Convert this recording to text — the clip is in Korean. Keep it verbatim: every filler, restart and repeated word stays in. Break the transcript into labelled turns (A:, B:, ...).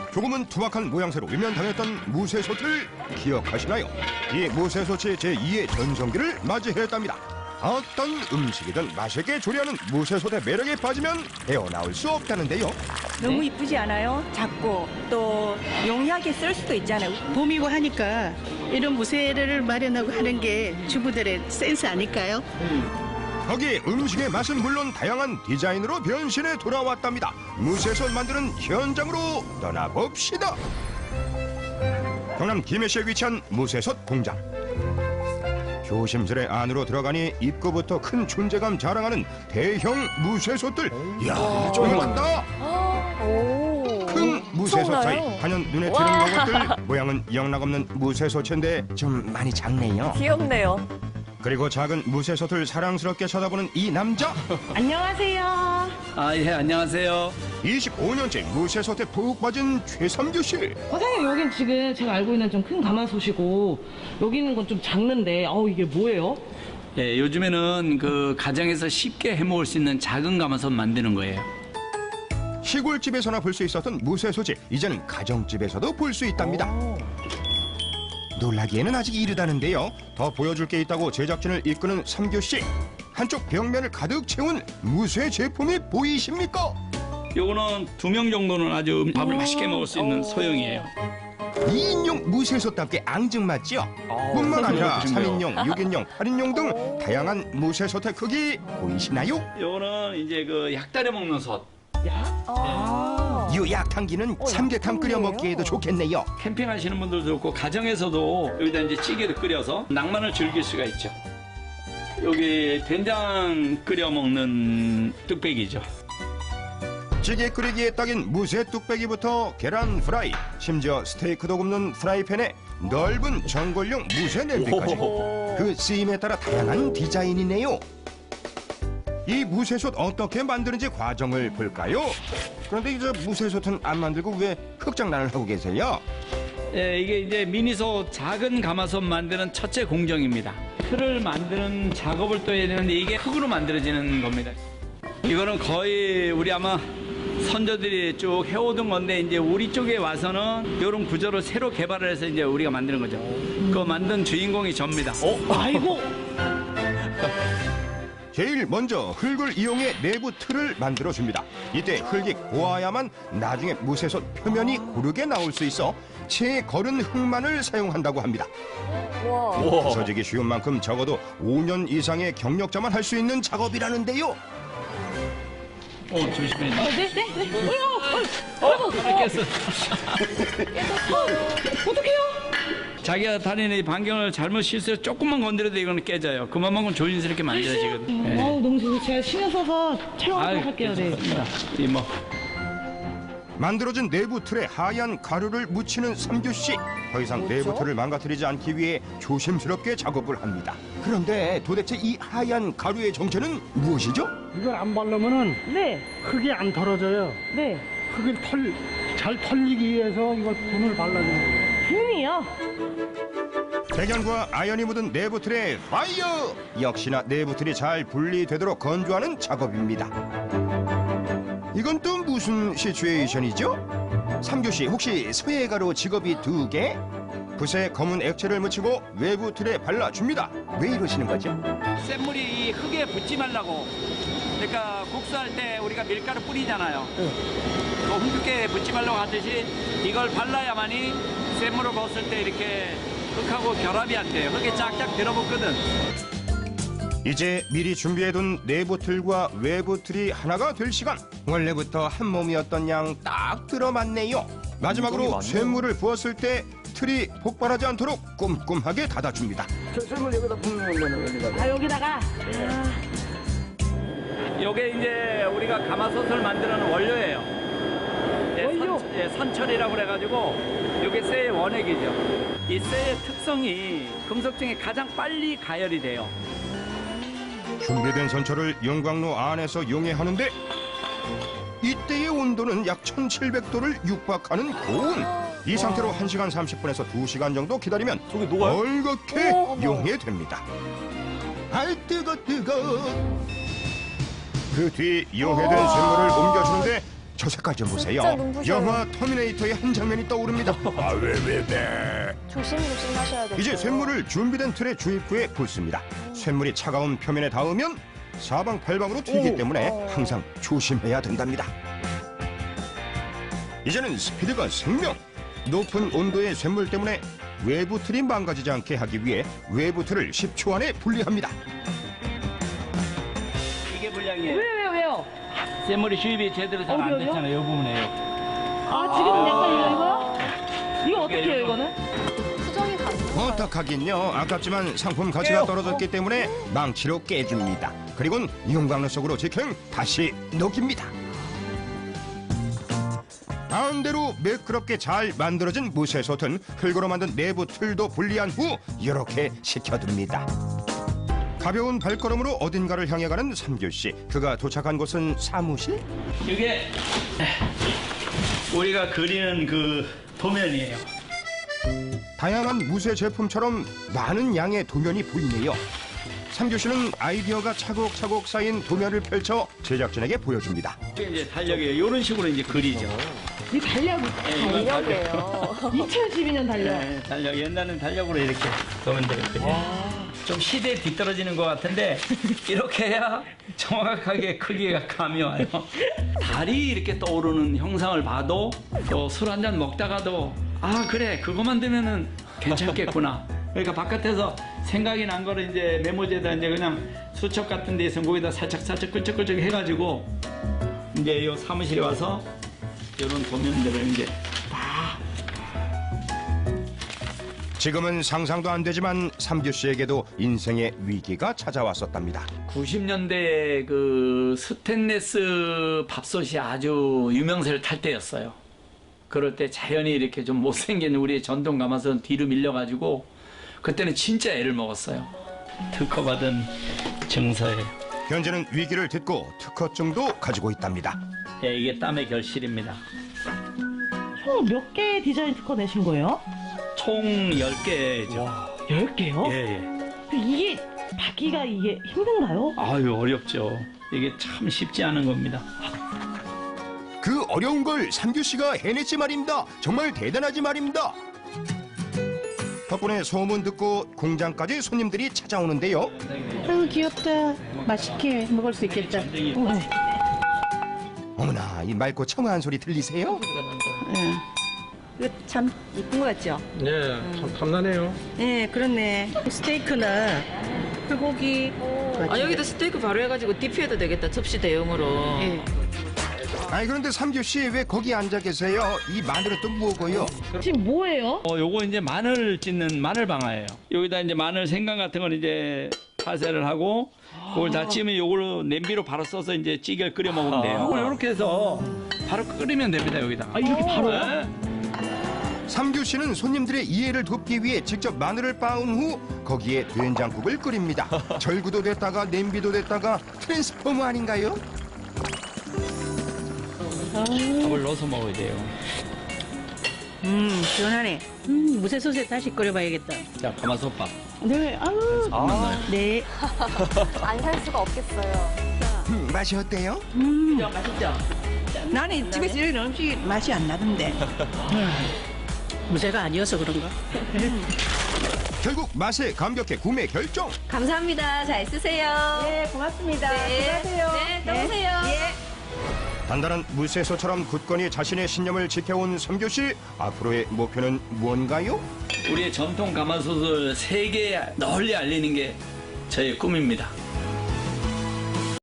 A: 조금은 투박한 모양새로 외면당했던 무쇠솥을 기억하시나요? 이 무쇠솥이 제이의 전성기를 맞이했답니다. 어떤 음식이든 맛있게 조리하는 무쇠솥의 매력에 빠지면 헤어나올 수 없다는데요.
B: 너무 이쁘지 않아요? 작고 또 용이하게 쓸 수도 있잖아요.
C: 봄이고 하니까 이런 무쇠를 마련하고 하는 게 주부들의 센스 아닐까요?
A: 거기에 음식의 맛은 물론 다양한 디자인으로 변신해 돌아왔답니다. 무쇠솥 만드는 현장으로 떠나봅시다. 경남 김해시에 위치한 무쇠솥 공장. 조심스레 안으로 들어가니 입구부터 큰 존재감 자랑하는 대형 무쇠솥들. 이야, 조용한다. 큰 무쇠솥 사이 한연 눈에 띄는 것들. 모양은 영락없는 무쇠솥인데 좀 많이 작네요.
D: 귀엽네요.
A: 그리고 작은 무쇠솥을 사랑스럽게 쳐다보는 이 남자.
B: 안녕하세요.
E: 아, 예, 안녕하세요.
A: 이십오 년째 무쇠솥에 푹 빠진 최삼규 씨.
F: 사장님, 여긴 지금 제가 알고 있는 좀 큰 가마솥이고 여기 있는 건 좀 작는데 어우 이게 뭐예요?
E: 예, 요즘에는 그 가정에서 쉽게 해먹을 수 있는 작은 가마솥 만드는 거예요.
A: 시골집에서나 볼 수 있었던 무쇠솥이 이제는 가정집에서도 볼 수 있답니다. 놀라기에는 아직 이르다는데요. 더 보여줄 게 있다고 제작진을 이끄는 삼규 씨. 한쪽 벽면을 가득 채운 무쇠 제품이 보이십니까?
E: 요거는 두 명 정도는 아주 밥을 맛있게 먹을 수 있는 소형이에요.
A: 이 인용 무쇠솥답게 앙증맞죠? 뿐만 아니라 삼 인용, 육 인용, 팔 인용 등 다양한 무쇠솥의 크기 보이시나요?
E: 요거는 이제 그 약달에 먹는 솥.
A: 이 약탕기는 삼계탕 끓여 먹기에도 좋겠네요.
E: 캠핑하시는 분들도 좋고 가정에서도 여기다 이제 찌개를 끓여서 낭만을 즐길 수가 있죠. 여기 된장 끓여 먹는 뚝배기죠.
A: 찌개 끓이기에 딱인 무쇠 뚝배기부터 계란 프라이, 심지어 스테이크도 굽는 프라이팬에 넓은 전골용 무쇠 냄비까지. 그 쓰임에 따라 다양한 디자인이네요. 이 무쇠솥 어떻게 만드는지 과정을 볼까요? 그런데 이제 무쇠솥은 안 만들고 왜 흑장난을 하고 계세요?
E: 예, 이게 이제 미니솥 작은 가마솥 만드는 첫째 공정입니다. 틀을 만드는 작업을 또 해야 되는데 이게 흙으로 만들어지는 겁니다. 이거는 거의 우리 아마 선조들이 쭉 해오던 건데 이제 우리 쪽에 와서는 이런 구조를 새로 개발을 해서 이제 우리가 만드는 거죠. 그거 만든 주인공이 접니다.
F: 아이고.
A: 제일 먼저 흙을 이용해 내부 틀을 만들어줍니다. 이때 흙이 고와야만 나중에 무쇠솥 표면이 고르게 나올 수 있어 채 거른 흙만을 사용한다고 합니다.
D: 와.
A: 부서지기 쉬운 만큼 적어도 오 년 이상의 경력자만 할 수 있는 작업이라는데요.
E: 어, 조심해.
F: 네, 네, 네.
E: 어, 깼어.
F: 어떡해요?
E: 자기가 다니는 이 반경을 잘못 실수해서 조금만 건드려도 이거는 깨져요. 그만큼 조심스럽게 만들어지거든. 네.
F: 어우 너무 좋고 제가 신경 써서 촬영하도록 할게요. 네.
E: 이 뭐.
A: 만들어진 내부 틀에 하얀 가루를 묻히는 삼규 씨. 더 이상 내부 틀을 망가뜨리지 않기 위해 조심스럽게 작업을 합니다. 그런데 도대체 이 하얀 가루의 정체는 무엇이죠?
G: 이걸 안 바르면은
F: 네.
G: 흙이 안 털어져요.
F: 네.
G: 흙을 털, 잘 털리기 위해서 이거 분을 발라주는 거예요.
F: 분이요?
A: 백연과 아연이 묻은 내부 틀에 파이어! 역시나 내부 틀이 잘 분리되도록 건조하는 작업입니다. 이건 또 무슨 시츄에이션이죠? 삼규 씨 혹시 소예가로 직업이 두 개? 붓에 검은 액체를 묻히고 외부 틀에 발라줍니다. 왜 이러시는 거죠?
E: 센 물이 이 흙에 붙지 말라고. 그러니까 국수할 때 우리가 밀가루 뿌리잖아요. 그 흙에 붙지 말라고 하듯이 이걸 발라야만이 센 물을 벗을 때 이렇게 흙하고 결합이 안 돼요. 흙에 쫙쫙 들어붙거든.
A: 이제 미리 준비해둔 내부 틀과 외부 틀이 하나가 될 시간. 원래부터 한 몸이었던 양 딱 들어맞네요. 마지막으로 쇠물을 부었을 때 틀이 폭발하지 않도록 꼼꼼하게 닫아줍니다.
G: 쇠물 여기다 붓는 거는
F: 아 여기다가.
E: 이게 이제 우리가 가마솥을 만드는 원료예요. 예,
F: 원료?
E: 선, 예, 선철이라고 그래가지고 이게 쇠의 원액이죠. 이 쇠의 특성이 금속 중에 가장 빨리 가열이 돼요.
A: 준비된 선철을 용광로 안에서 용해하는데 이때의 온도는 약 천칠백 도를 육박하는 고온. 이 상태로 한 시간 삼십 분에서 두 시간 정도 기다리면 얼겋게 용해됩니다. 아이 뜨거 뜨거. 그 뒤 용해된 쇠물을 옮겨주는데 저 색깔 좀 보세요.
D: 진짜 눈부셔요.
A: 영화 터미네이터의 한 장면이 떠오릅니다. 아, 왜, 왜, 왜.
D: 조심조심 하셔야 돼요.
A: 이제 쇳물을 준비된 틀에 주입 후에 붓습니다. 쇳물이 차가운 표면에 닿으면 사방팔방으로 튀기 때문에 항상 조심해야 된답니다. 이제는 스피드가 생명. 높은 온도의 쇳물 때문에 외부 틀이 망가지지 않게 하기 위해 외부 틀을 십 초 안에 분리합니다.
E: 이게 불량이에요.
F: 왜요, 왜요, 왜요?
E: 쇳물이 주입이 제대로 잘 안
F: 어디요?
E: 됐잖아요. 이 부분에요.
F: 아, 지금 약간 이거, 이거요? 이거 어떻게 해요, 이거는?
D: 수정이 가능해요.
A: 어떡하긴요. 아깝지만 상품 가치가 떨어졌기 때문에 망치로 깨줍니다. 그리고는 이용 방로 속으로 직행 다시 녹입니다. 마음대로 매끄럽게 잘 만들어진 무쇠솥은 흙으로 만든 내부 틀도 분리한 후 이렇게 식혀둡니다. 가벼운 발걸음으로 어딘가를 향해 가는 삼규 씨. 그가 도착한 곳은 사무실?
E: 이게 우리가 그리는 그 도면이에요.
A: 다양한 무쇠 제품처럼 많은 양의 도면이 보이네요. 삼규 씨는 아이디어가 차곡차곡 쌓인 도면을 펼쳐 제작진에게 보여줍니다.
E: 이게 이제 달력이에요. 이런 식으로 이제 그리죠.
F: 이 달력,
D: 달력이에요.
F: 이천십이 년 달력.
E: 네, 달력. 옛날에는 달력으로 이렇게 보면 되거든요. 좀 시대에 뒤떨어지는 것 같은데 이렇게 해야 정확하게 크기가 감이 와요. 달이 이렇게 떠오르는 형상을 봐도 또 술 한 잔 먹다가도 아 그래 그거 만들면은 괜찮겠구나. 그러니까 바깥에서 생각이 난 거를 이제 메모지에다 이제 그냥 수첩 같은 데서 거기다 살짝 살짝 끌적끌적 해가지고 이제 요 사무실에 와서 이런 도면들을 이제
A: 지금은 상상도 안 되지만 삼규 씨에게도 인생의 위기가 찾아왔었답니다.
E: 구십 년대에 그 스테인레스 밥솥이 아주 유명세를 탈 때였어요. 그럴 때 자연히 이렇게 좀 못생긴 우리의 전통 가마솥은 뒤로 밀려가지고 그때는 진짜 애를 먹었어요. 특허받은 증서예요.
A: 현재는 위기를 딛고 특허증도 가지고 있답니다.
E: 예, 이게 땀의 결실입니다.
F: 총 몇 개의 디자인 특허 내신 거예요?
E: 총 열 개죠.
F: 열 개요?
E: 예, 예.
F: 이게 받기가 이게 힘든가요?
E: 아유, 어렵죠. 이게 참 쉽지 않은 겁니다.
A: 그 어려운 걸 삼규 씨가 해냈지 말입니다. 정말 대단하지 말입니다. 덕분에 소문 듣고 공장까지 손님들이 찾아오는데요.
C: 아유, 귀엽다. 맛있게 먹을 수 있겠다. 우와.
A: 어머나, 이 맑고 청아한 소리 들리세요?
C: 응.
B: 이거 참 이쁜 거 같죠?
G: 네, 참 탐나네요.
B: 네, 그렇네.
C: 스테이크나 불고기.
H: 아, 여기다 스테이크 바로 해가지고 디피해도 되겠다. 접시 대용으로.
C: 예.
A: 아니 그런데 삼규 씨 왜 거기 앉아 계세요? 이 마늘은 또 뭐고요?
F: 지금 뭐예요?
E: 어, 요거 이제 마늘 찢는 마늘 방아예요. 여기다 이제 마늘 생강 같은 걸 이제 파쇄를 하고 그걸 다 찌면 요걸로 냄비로 바로 써서 이제 찌개를 끓여 먹으면 돼요. 이렇게 해서 바로 끓이면 됩니다, 여기다.
F: 아, 이렇게 바로요?
E: 네.
A: 삼규 씨는 손님들의 이해를 돕기 위해 직접 마늘을 빻은 후 거기에 된장국을 끓입니다. 절구도 됐다가 냄비도 됐다가 트랜스포머 아닌가요?
E: 밥을 넣어서 먹어야 돼요.
C: 음, 시원하네. 음, 무쇠솥에 다시 끓여봐야겠다.
E: 자, 가마솥밥.
C: 네, 아유.
E: 아.
C: 네.
D: 안 살 수가 없겠어요.
A: 음, 맛이 어때요?
C: 음,
F: 맛있죠?
C: 나는 집에서 이런 음식이 맛이 안 나던데. 음, 무쇠가 아니어서 그런가?
A: 결국 맛에 감격해 구매 결정.
H: 감사합니다. 잘 쓰세요.
B: 네, 고맙습니다.
H: 네.
B: 수고하세요.
H: 네, 또 오세요.
B: 예.
A: 단단한 무쇠소처럼 굳건히 자신의 신념을 지켜온 삼규 씨. 앞으로의 목표는 뭔가요?
E: 우리의 전통 가마솥을 세계에 널리 알리는 게 저의 꿈입니다.